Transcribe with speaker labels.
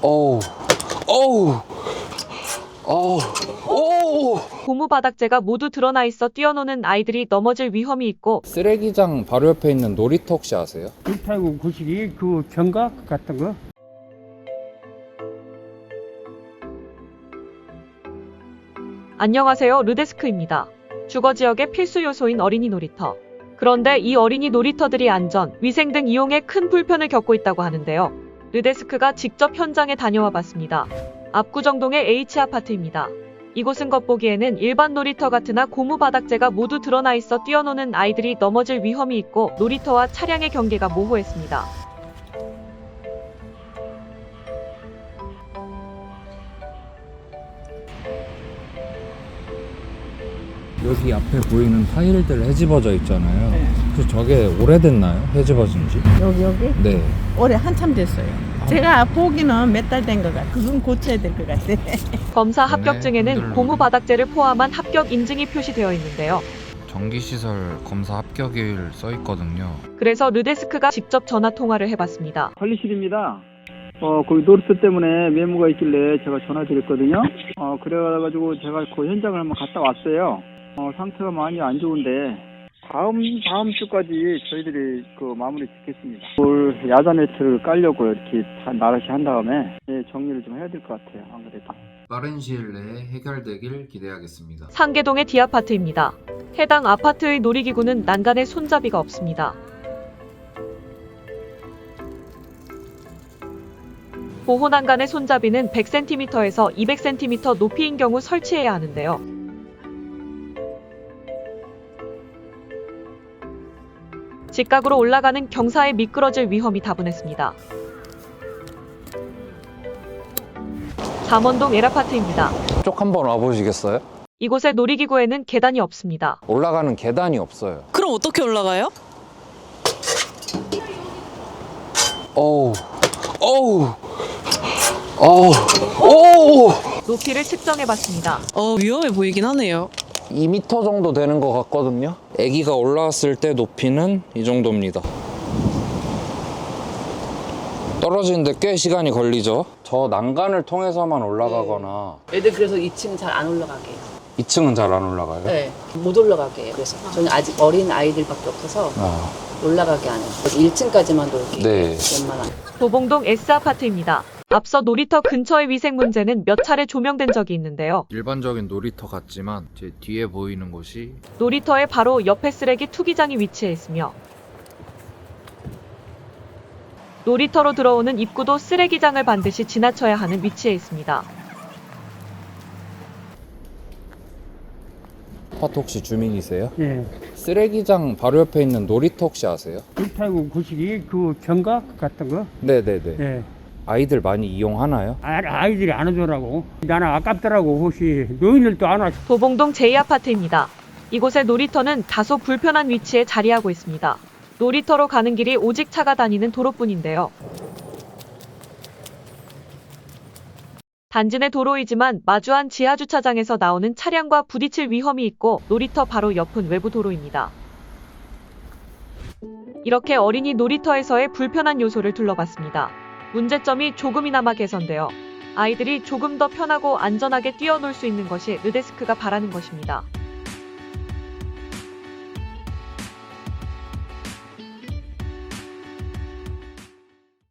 Speaker 1: 어우, 어우, 어우, 어우.
Speaker 2: 고무 바닥재가 모두 드러나 있어 뛰어노는 아이들이 넘어질 위험이 있고,
Speaker 1: 쓰레기장 바로 옆에 있는 놀이터 혹시 아세요?
Speaker 3: 189 구식이 그 견각 같은 거.
Speaker 2: 안녕하세요, 르데스크입니다. 주거지역의 필수 요소인 어린이 놀이터. 그런데 이 어린이 놀이터들이 안전, 위생 등 이용에 큰 불편을 겪고 있다고 하는데요. 르데스크가 직접 현장에 다녀와 봤습니다. 압구정동의 H아파트입니다. 이곳은 겉보기에는 일반 놀이터 같으나 고무 바닥재가 모두 드러나 있어 뛰어노는 아이들이 넘어질 위험이 있고, 놀이터와 차량의 경계가 모호했습니다.
Speaker 1: 여기 앞에 보이는 타일들 헤집어져 있잖아요. 혹시 저게 오래됐나요? 헤집어진 지?
Speaker 4: 여기?
Speaker 1: 네.
Speaker 4: 올해 한참 됐어요. 제가 보기는 몇 달 된 것 같아요. 그건 고쳐야 될 것 같아요.
Speaker 2: 검사 합격증에는 고무 바닥재를 포함한 합격 인증이 표시되어 있는데요.
Speaker 5: 전기시설 검사 합격일 써 있거든요.
Speaker 2: 그래서 르데스크가 직접 전화 통화를 해봤습니다.
Speaker 6: 관리실입니다. 거기 노르스 때문에 메모가 있길래 제가 전화드렸거든요. 그래가지고 제가 그 현장을 한번 갔다 왔어요. 상태가 많이 안 좋은데 다음 주까지 저희들이 그 마무리 짓겠습니다. 올 야자 네트를 깔려고 이렇게 나라시 한 다음에 정리를 좀 해야 될 것 같아요. 안 그래도.
Speaker 5: 빠른 시일 내에 해결되길 기대하겠습니다.
Speaker 2: 상계동의 D아파트입니다. 해당 아파트의 놀이기구는 난간에 손잡이가 없습니다. 보호 난간의 손잡이는 100cm에서 200cm 높이인 경우 설치해야 하는데요. 직각으로 올라가는 경사에 미끄러질 위험이 다분했습니다. 잠원동 L아파트입니다.
Speaker 1: 쪽 한번 와보시겠어요?
Speaker 2: 이곳의 놀이기구에는 계단이 없습니다.
Speaker 1: 올라가는 계단이 없어요.
Speaker 7: 그럼 어떻게 올라가요?
Speaker 1: 어우, 어우, 어우, 어우.
Speaker 2: 높이를 측정해봤습니다.
Speaker 7: 위험해 보이긴 하네요.
Speaker 1: 2m 정도 되는 것 같거든요. 아기가 올라왔을 때 높이는 이 정도입니다. 떨어지는데 꽤 시간이 걸리죠. 저 난간을 통해서만 올라가거나.
Speaker 8: 애들 그래서 2층 잘 안 올라가게 해요.
Speaker 1: 2층은 잘 안 올라가요?
Speaker 8: 네, 못 올라가게 해요. 그래서 저는 아직 어린 아이들밖에 없어서 올라가게 안 해요. 그래서 1층까지만 놀게
Speaker 1: 네.
Speaker 8: 웬만하면.
Speaker 2: 도봉동 S아파트입니다. 앞서 놀이터 근처의 위생 문제는 몇 차례 조명된 적이 있는데요.
Speaker 5: 일반적인 놀이터 같지만 제 뒤에 보이는 곳이
Speaker 2: 놀이터의 바로 옆에 쓰레기 투기장이 위치해 있으며, 놀이터로 들어오는 입구도 쓰레기장을 반드시 지나쳐야 하는 위치에 있습니다.
Speaker 1: 아파트 혹시 주민이세요?
Speaker 3: 예.
Speaker 1: 쓰레기장 바로 옆에 있는 놀이터 혹시 아세요?
Speaker 3: 189 구식이 그 견각 같은 거.
Speaker 1: 네네네.
Speaker 3: 예.
Speaker 1: 아이들 많이 이용하나요?
Speaker 3: 아이들이 안 오더라고. 나는 아깝더라고. 혹시 노인들도 안 와.
Speaker 2: 도봉동 J아파트입니다. 이곳의 놀이터는 다소 불편한 위치에 자리하고 있습니다. 놀이터로 가는 길이 오직 차가 다니는 도로뿐인데요. 단지 내 도로이지만 마주한 지하주차장에서 나오는 차량과 부딪힐 위험이 있고, 놀이터 바로 옆은 외부 도로입니다. 이렇게 어린이 놀이터에서의 불편한 요소를 둘러봤습니다. 문제점이 조금이나마 개선되어 아이들이 조금 더 편하고 안전하게 뛰어놀 수 있는 것이 르데스크가 바라는 것입니다.